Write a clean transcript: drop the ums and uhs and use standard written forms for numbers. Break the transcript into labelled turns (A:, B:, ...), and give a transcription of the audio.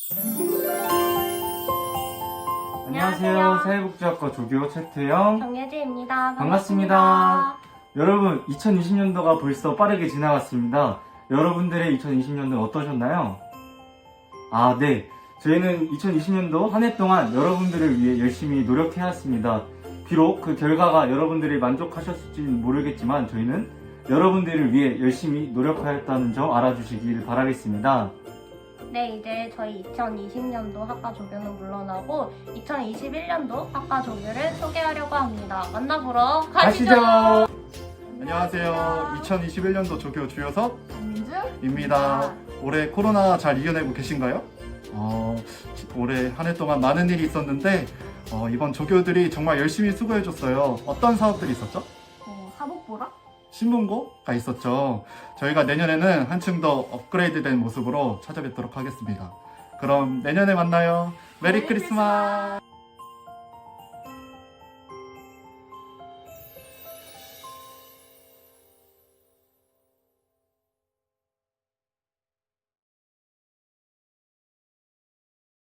A: 안녕하세요. 사회복지학과 조교 최태영
B: 정예지입니다.
A: 반갑습니다. 여러분, 2020년도가 벌써 빠르게 지나갔습니다. 여러분들의 2020년도는 어떠셨나요? 네. 저희는 2020년도 한 해 동안 여러분들을 위해 열심히 노력해왔습니다. 비록 그 결과가 여러분들이 만족하셨을지는 모르겠지만 저희는 여러분들을 위해 열심히 노력하였다는 점 알아주시길 바라겠습니다.
B: 네, 이제 저희 2020년도 학과 조교는 물러나고 2021년도 학과 조교를 소개하려고 합니다. 만나보러 가시죠.
C: 안녕하세요. 2021년도 조교 주효섭입니다.
B: 민주입니다.
C: 올해 코로나 잘 이겨내고 계신가요? 올해 한 해 동안 많은 일이 있었는데 이번 조교들이 정말 열심히 수고해줬어요. 어떤 사업들이 있었죠?
B: 사복보라?
C: 신문고가 있었죠. 저희가 내년에는 한층 더 업그레이드된 모습으로 찾아뵙도록 하겠습니다. 그럼 내년에 만나요. 메리 크리스마스!